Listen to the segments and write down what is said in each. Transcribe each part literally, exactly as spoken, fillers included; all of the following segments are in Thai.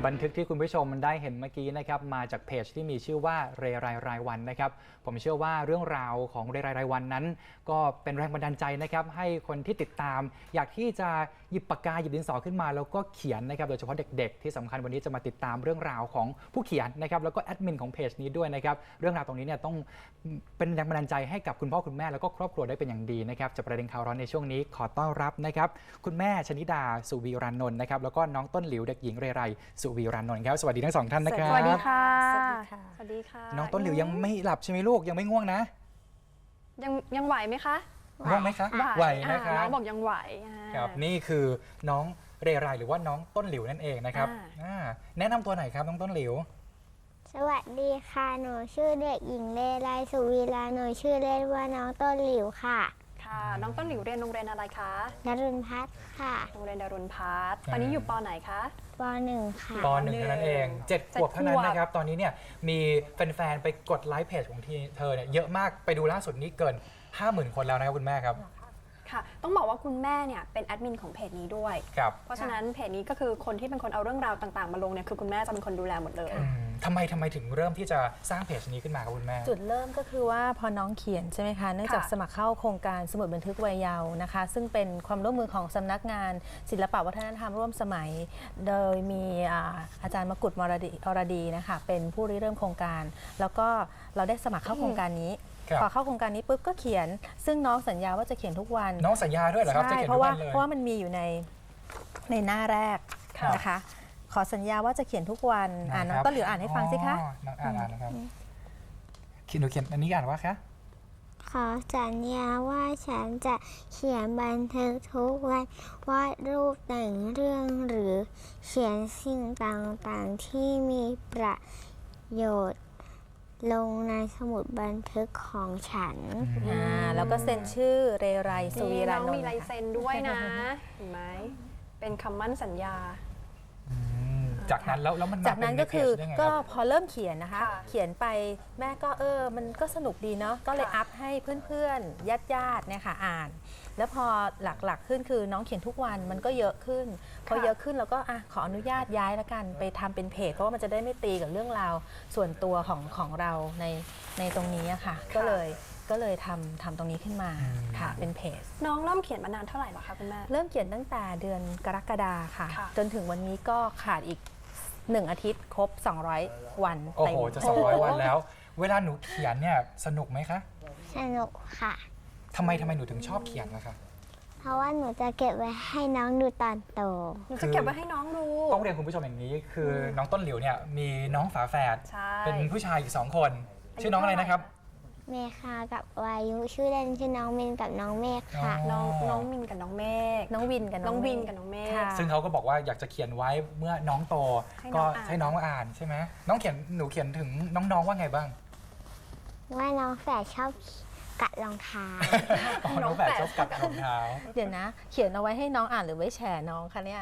บันทึกที่คุณผู้ชมได้เห็นเมื่อกี้นะครับมาจากเพจที่มีชื่อว่าเรไรรายวันนะครับผมเชื่อว่าเรื่องราวของเรไรรายวันนั้นก็เป็นแรงบันดาลใจนะครับให้คนที่ติดตามอยากที่จะหยิบปากกาหยิบดินสอขึ้นมาแล้วก็เขียนนะครับโดยเฉพาะเด็กๆที่สำคัญวันนี้จะมาติดตามเรื่องราวของผู้เขียนนะครับแล้วก็แอดมินของเพจนี้ด้วยนะครับเรื่องราวตรงนี้เนี่ยต้องเป็นแรงบันดาลใจให้กับคุณพ่อคุณแม่แล้วก็ครอบครัวได้เป็นอย่างดีนะครับจากประเด็นข่าวร้อนในช่วงนี้ขอต้อนรับนะครับคุณแม่ชนิดาสุวีรานนท์นะครับแล้วก็น้องต้นหลิวเด็กหญิงเรไรสุวีรานนท์ครับสวัสดีทั้งสองท่านนะครับสวัสดีค่ะสวัสดีค่ะสวัสดีค่ะน้องต้นหลิวยังไม่หลับใช่ไหมลูกยังไม่ง่วงนะยังยังไหวไหมคะง่วงไหมคะไหวนะคะน้องบอกยังไหวอ่าครับนี่คือน้องเรไรหรือว่าน้องต้นหลิวนั่นเองนะครับอ่าอ่าแนะนำตัวหน่อยครับน้องต้นหลิวสวัสดีค่ะหนูชื่อเด็กหญิงเลไลสุวีลาหนูชื่อเล่นว่าน้องต้นหลิวค่ะค่ะ น้องต้นหลิวเรียนโรงเรียนอะไรคะนรุณพัฒน์ค่ะโรงเรียนดารุณพัฒน์ตอนนี้อยู่ปไหนคะปหนึ่งค่ะปหนึ่งเท่านั้นเองเจ็ดขวบเท่านั้นนะครับตอนนี้เนี่ยมีแฟนๆไปกดไลค์เพจของที่เธอเนี่ยเยอะมากไปดูล่าสุดนี้เกิน ห้าหมื่น คนแล้วนะครับคุณแม่ครับค่ะ ต้องบอกว่าคุณแม่เนี่ยเป็นแอดมินของเพจนี้ด้วยครับเพราะฉะนั้นเพจนี้ก็คือคนที่เป็นคนเอาเรื่องราวต่างๆมาลงเนี่ยคือคุณแม่จะเป็นคนดูแลหมดเลยอืมทำไมทำไมถึงเริ่มที่จะสร้างเพจนี้ขึ้นมาครับคุณแม่จุดเริ่มก็คือว่าพอน้องเขียนใช่ไหมคะเนื่องจากค่ะสมัครเข้าโครงการสมุดบันทึกวัยเยาว์นะคะซึ่งเป็นความร่วมมือของสำนักงานศิลปวัฒนธรรมร่วมสมัย โดยมีอาอาจารย์มกุฎมรดีอรดีนะคะเป็นผู้ริเริ่มโครงการ แล้วก็เราได้สมัครเข้าโครงการนี้ครับพอเข้าโครงการนี้ปุ๊บก็เขียน ซึ่งน้องสัญญาว่าจะเขียนทุกวันน้องสัญญาด้วยเหรอครับจะใช่เขียนเพทุราะกว่าวันเลยเพราะว่ามันมีอยู่ในในหน้าแรกครับนะคะขอสัญญาว่าจะเขียนทุกวันอ่าน้องะครับต้นหลิวอ่านให้ฟังสิคะอ๋อน้องอ่านอ่านนะครับเขียนหนูเขียนอันนี้อ่านว่าคะขอสัญญาว่าฉันจะเขียนบันทึกทุกวันวาดรูปแต่งเรื่องหรือเขียนสิ่งต่างๆที่มีประโยชน์ ลงในสมุดบันทึกของฉันอ่าแล้วก็เซ็นชื่อเรไรสุวีนี่ราน้องนนมีท์ลายนะคะเซ็นด้วยนะ เห็นไหมเป็นคำมั่นสัญญาอืมจากนั้นแล้วแล้วมันมจากนั้นก็คือเป็นในเพจได้ไงก็รับพอเริ่มเขียนนะคะค่ะเขียนไปแม่ก็เออมันก็สนุกดีเนาะก็เลยค่ะอัพให้เพื่อนๆญาติญาติๆเนี่ยค่ะอ่าน แล้วพอหลักๆขึ้นคือน้องเขียนทุกวันมันก็เยอะขึ้น พอเยอะขึ้นเราก็อ่ะขออนุญาตย้ายแล้วกันไปทำเป็นเพจเพราะว่ามันจะได้ไม่ตีกับเรื่องราวส่วนตัวของของเราในในตรงนี้อะค่ะ ก็เลยก็เลยทำทำตรงนี้ขึ้นมาค่ะเป็นเพจน้องเริ่มเขียนมานานเท่าไหร่แล้วคะคุณแม่เริ่มเขียนตั้งแต่เดือนกรกฎาค่ะค่ะจนถึงวันนี้ก็ขาดอีกหนึ่งอาทิตย์ครบ สองร้อย วันโอ้เต็มโหจะสองร้อยวันแล้ว เวลาหนูเขียนเนี่ยสนุกไหมคะสนุกค่ะทำไมทำไมหนูถึงชอบเขียนล่ะคะเพราะว่าหนูจะเก็บไว้ให้น้องดูตอนโตหนูจะเก็บไว้ให้น้องดูต้องเรียนคุณผู้ชมอย่างนี้ คือน้องต้นหลิวเนี่ยมีน้องฝาแฝดใช่เป็นผู้ชายอีกสองคนอายุชื่อน้องอะไรนะครับเมคากับวายุชื่อเล่นชื่อน้องมินกับน้องเมฆค่ะน้องน้องมินกับน้องเมฆน้องวินกับน้องวินเมฆกับน้องเมฆค่ะซึ่งเขาก็บอกว่าอยากจะเขียนไว้เมื่อน้องโตให้น้ก็องอ่านให้น้องมาอ่านใช่ไหมน้องเขียนหนูเขียนถึงน้องๆว่าไงบ้างว่าน้องแฝดชอบกัดรองเท้าอ๋อน้องแฝดชอบกัดรองเท้าเดี๋ยวนะ เขียนเอาไว้ให้น้องอ่านหรือไว้แฉน้องคะเนี่ย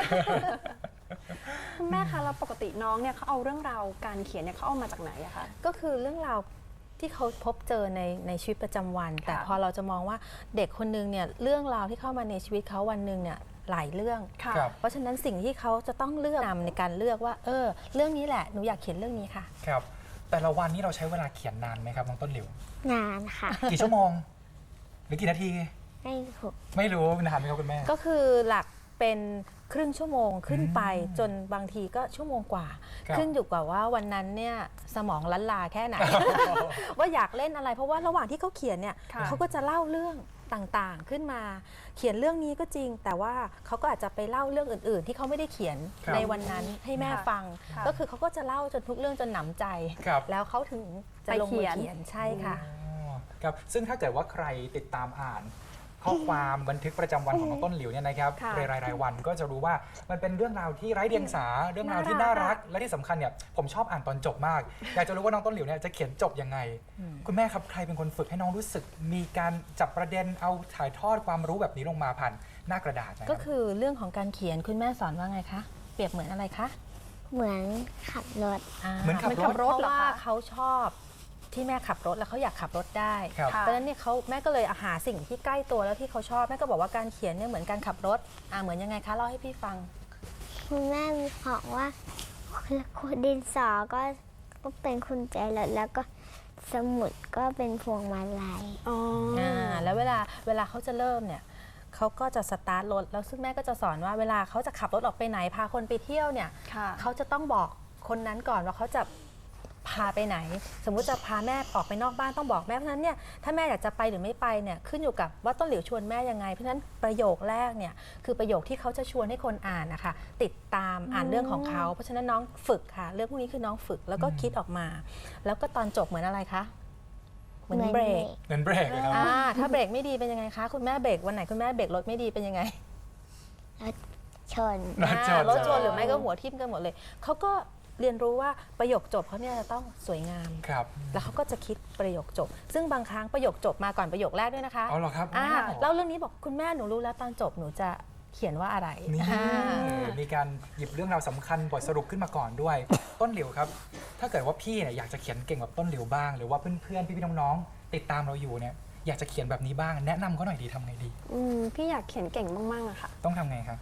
คุณแม่คะแล้วปกติน้องเนี่ยเขาเอาเรื่องราวการเขียนเนี่ยเขาเอามาจากไหนอะคะก็คือเรื่องราวที่เขาพบเจอในในชีวิตประจำวัน แต่พอเราจะมองว่าเด็กคนนึงเนี่ยเรื่องราวที่เข้ามาในชีวิตเขาวันหนึ่งเนี่ยหลายเรื่องค่ะครับเพราะฉะนั้นสิ่งที่เขาจะต้องเลือกนำในการเลือกว่าเออเรื่องนี้แหละหนูอยากเขียนเรื่องนี้ค่ะครับ แต่ละวันนี้เราใช้เวลาเขียนนานไหมครับน้องต้นหลิวนานค่ะกี่ชั่วโมง หรือกี่นาทีไม่ถูกไม่รู้นานไหมครับคุณแม่ก็คือหลักเป็นครึ่งชั่วโมงขึ้นไปอืมจนบางทีก็ชั่วโมงกว่าครับขึ้นอยู่กับว่าวันนั้นเนี่ยสมองล้านลาแค่ไหน ว่าอยากเล่นอะไร เพราะว่าระหว่างที่เขาเขียนเนี่ยค่ะเขาก็จะเล่าเรื่องต่างๆขึ้นมา เขียนเรื่องนี้ก็จริง แต่ว่าเขาก็อาจจะไปเล่าเรื่องอื่น ๆ ที่เขาไม่ได้เขียนครับในวันนั้นให้แม่ค่ะฟังค่ะก็คือเขาก็จะเล่าจนทุกเรื่องจนหนำใจครับแล้วเขาถึงจะลงมือเขียนใช่ค่ะอ๋อครับซึ่งถ้าเกิดว่าใครติดตามอ่านข้อความบันทึกประจำวันของน้องต้นหลิวเนี่ยนะครับค่ะรายรายรายวันก็จะรู้ว่ามันเป็นเรื่องราวที่ไร้เดียงสาเรื่องราวที่น่าน่ารัรักก และที่สำคัญเนี่ยผมชอบอ่านตอนจบมาก อยากจะรู้ว่าน้องต้นหลิวเนี่ยจะเขียนจบยังไง คุณแม่ครับใครเป็นคนฝึกให้น้องรู้สึก มีการจับประเด็นเอาถ่ายทอดความรู้แบบนี้ลงมาผ่านหน้ากระดาษนะครับก็คือเรื่องของการเขียนคุณแม่สอนว่าไงคะเปรียบเหมือนอะไรคะเหมือนขับรถเหมือนขับเหมือนขับรถเพเหรอราะว่าคะเขาชอบที่แม่ขับรถแล้วเขาอยากขับรถได้ครับค่ะเพราะฉะนั้นเนี่ยเขาแม่ก็เลยหาสิ่งที่ใกล้ตัวแล้วที่เขาชอบแม่ก็บอกว่าการเขียนเนี่ยเหมือนการขับรถอ่าเหมือนยังไงคะเล่าให้พี่ฟังคุณแม่บอกว่าคุณดินสอก็ก็เป็นคุณใจรถแล้วก็สมุดก็เป็นพวงมาลัยอ๋ออ่าแล้วเวลาเวลาเขาจะเริ่มเนี่ยเขาก็จะสตาร์ทรถแล้วซึ่งแม่ก็จะสอนว่าเวลาเขาจะขับรถออกไปไหนพาคนไปเที่ยวเนี่ยค่ะเขาจะต้องบอกคนนั้นก่อนว่าเขาจะพาไปไหน สมมุติจะพาแม่ออกไปนอกบ้านต้องบอกแม่เพราะฉะนั้นเนี่ยถ้าแม่อยากจะไปหรือไม่ไปเนี่ยขึ้นอยู่กับว่าต้นหลิวชวนแม่ยังไงเพราะฉะนั้นประโยคแรกเนี่ยคือประโยคที่เขาจะชวนให้คนอ่านนะคะติดตามอ่านเรื่องของเขาเพราะฉะนั้นน้องฝึกค่ะเรื่องพวกนี้คือน้องฝึกแล้วก็คิดออกมา แล้วก็ตอนจบเหมือนอะไรคะเหมือนเบรกเหมือนเบรกเลยครับอ่าถ้าเบรกไม่ดีเป็นยังไงคะคุณแม่เบรกวันไหนคุณแม่เบรกรถไม่ดีเป็นยังไงชนรถชนอ่ารถชนหรือไม่ก็หัวทิ่มกันหมดเลยเขาก็เรียนรู้ว่าประโยคจบเขาเนี่ยจะต้องสวยงามครับแล้วเขาก็จะคิดประโยคจบ ซึ่งบางครั้งประโยคจบมาก่อนประโยคแรกด้วยนะคะเอาเหรอครับอ่าอ้าวเล่าเรื่องนี้บอกคุณแม่หนูรู้แล้วตอนจบหนูจะเขียนว่าอะไรนี่อ่ามีการหยิบเรื่องราวสำคัญบทสรุปขึ้นมาก่อนด้วย ต้นหลิวครับ ถ้าเกิดว่าพี่เนี่ยอยากจะเขียนเก่งแบบต้นหลิวบ้าง หรือว่าเพื่อนๆพี่ๆน้องๆติดตามเราอยู่เนี่ยอยากจะเขียนแบบนี้บ้าง แนะนำเขาหน่อยดีทำไงดีอืมพี่อยากเขียนเก่งมากๆอะค่ะต้องทำไงครับ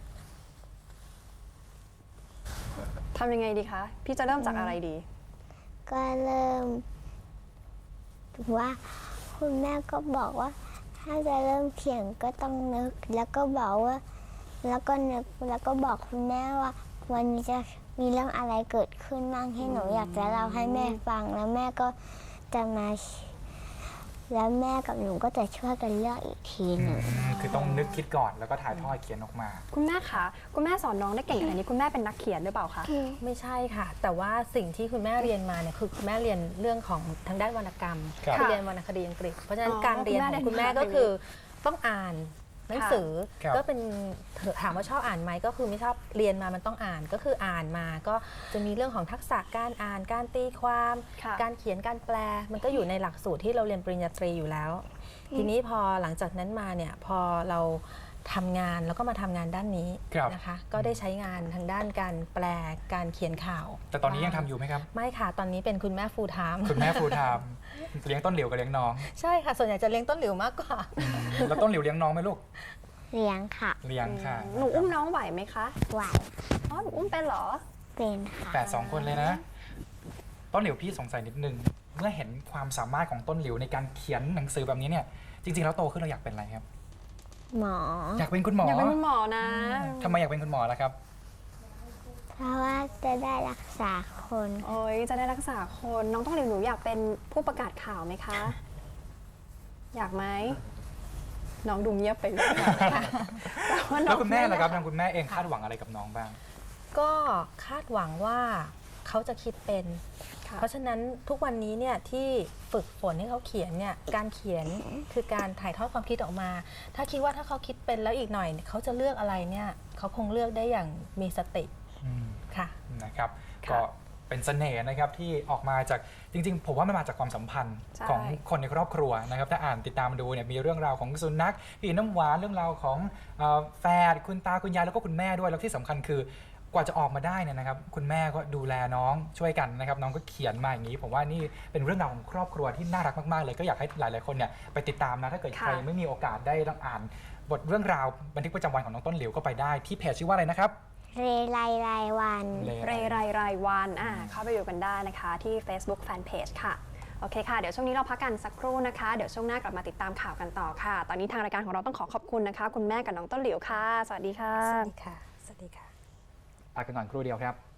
ทำยังไงดีคะ พี่จะเริ่มจากอะไรดีก็เริ่มว่าคุณแม่ก็บอกว่า ถ้าจะเริ่มเขียนก็ต้องนึก แล้วก็บอกว่า แล้วก็นึกแล้วก็บอกคุณแม่ว่า วันนี้จะมีเรื่องอะไรเกิดขึ้นบ้างที่หนูอยากจะเล่าให้แม่ฟังแล้วแม่ก็จะมาแล้วแม่กับหนูก็จะช่วยกันเลือกอีกทีหนึ่งคือต้องนึกคิดก่อนแล้วก็ถ่ายทอดเขียนออกมาคุณแม่คะ คุณแม่สอนน้องได้เก่งขนาดนี้คุณแม่เป็นนักเขียนหรือเปล่าคะไม่ใช่ค่ะ แต่ว่าสิ่งที่คุณแม่เรียนมาเนี่ยคือคุณแม่เรียนเรื่องของทางด้านวรรณกรรมครับคือเรียนวรรณคดีอังกฤษ เพราะฉะนั้นอ๋อการเรียนคุณแม่ของคุณแม่เรียนก็คือต้องอ่านหนังสือครับก็เป็นถามว่าชอบอ่านไหมก็คือไม่ชอบเรียนมามันต้องอ่านก็คืออ่านมาก็จะมีเรื่องของทักษะการอ่านการตีความค่ะการเขียนการแปล มันก็อยู่ในหลักสูตรที่เราเรียนปริญญาตรีอยู่แล้ว ทีนี้พอหลังจากนั้นมาเนี่ยพอเราทำงานแล้วก็มาทำงานด้านนี้ครับนะคะก็ได้ใช้งานทางด้านการแปลการเขียนข่าวแต่ตอนนี้ยังทำอยู่ไหมครับไม่ค่ะ ตอนนี้เป็นคุณแม่ฟูลไทม์คุณแม่ฟูลไทม์เลี้ยงต้นหลิวกับเลี้ยงน้องใช่ค่ะ ส่วนใหญ่จะเลี้ยงต้นหลิวมากกว่าแล้วต้นหลิวเลี้ยงน้องไหมลูกเลี้ยงค่ะเลี้ยงค่ะหนูอุ้มน้องไหวไหมคะไหวอ๋อ หนูอุ้มเป็นเหรอเป็นค่ะแต่สองคนเลยนะ ต้นหลิวพี่สงสัยนิดนึง เมื่อเห็นความสามารถของต้นหลิวในการเขียนหนังสือแบบนี้เนี่ย จริงๆแล้วโตขึ้นเราอยากเป็นอะไรครับหมออยากเป็นคุณหมออยากเป็นคุณหมอนะทำไมอยากเป็นคุณหมอล่ะครับเพราะว่าจะได้รักษาคนโอ้ยจะได้รักษาคน น้องต้องเรียนหนูอยากเป็นผู้ประกาศข่าวไหมคะ อยากไหม น้องดูเงียบไปเลยแต่ว่าน้แล้อวงคุณแม่ล่ะครับไอยากทางคุณแม่เองคาดหวังอะไรกับน้องบ้างก็คาดหวังว่าเขาจะคิดเป็นค่ะเพราะฉะนั้นทุกวันนี้เนี่ยที่ฝึกฝนให้เขาเขียนเนี่ยการเขียนคือการถ่ายทอดความคิดออกมา ถ้าคิดว่าถ้าเขาคิดเป็นแล้วอีกหน่อยเขาจะเลือกอะไรเนี่ยเขาคงเลือกได้อย่างมีสติอืมค่ะนะครับค่ะก็เป็นเสน่ห์นะครับที่ออกมาจากจริงๆ ผมว่ามันมาจากความสัมพันธ์ใช่ของคนในครอบครัวนะครับถ้าอ่านติดตามดูเนี่ยมีเรื่องราวของสุนัขพี่น้ำหวานเรื่องราวของเอ่อแฝดคุณตาคุณยายแล้วก็คุณแม่ด้วยแล้วที่สำคัญคือกว่าจะออกมาได้เนี่ยนะครับคุณแม่ก็ดูแลน้องช่วยกันนะครับน้องก็เขียนมาอย่างนี้ ผมว่านี่เป็นเรื่องราวของครอบครัวที่น่ารักมากๆเลยก็อยากให้หลายๆคนเนี่ยไปติดตามนะถ้าเกิดค่ะใครไม่มีโอกาสได้ต้องอ่านบทเรื่องราวบันทึกประจำวันของน้องต้นหลิวก็ไปได้ที่เพจชื่อว่าอะไรนะครับเรไรรายวันเรไรรายวันอ่าเข้าไปดูกันได้นะคะที่ Facebook Fanpage ค่ะ โอเคค่ะ เดี๋ยวช่วงนี้เราพักกันสักครู่นะคะ เดี๋ยวช่วงหน้ากลับมาติดตามข่าวกันต่อค่ะ ตอนนี้ทางรายการของเราต้องขอขอบคุณนะคะ คุณแม่กับน้องต้นหลิวค่ะ สวัสดีค่ะสวัสดีค่ะ สวัสดีค่ะพักกันก่อนครู่เดียวครับ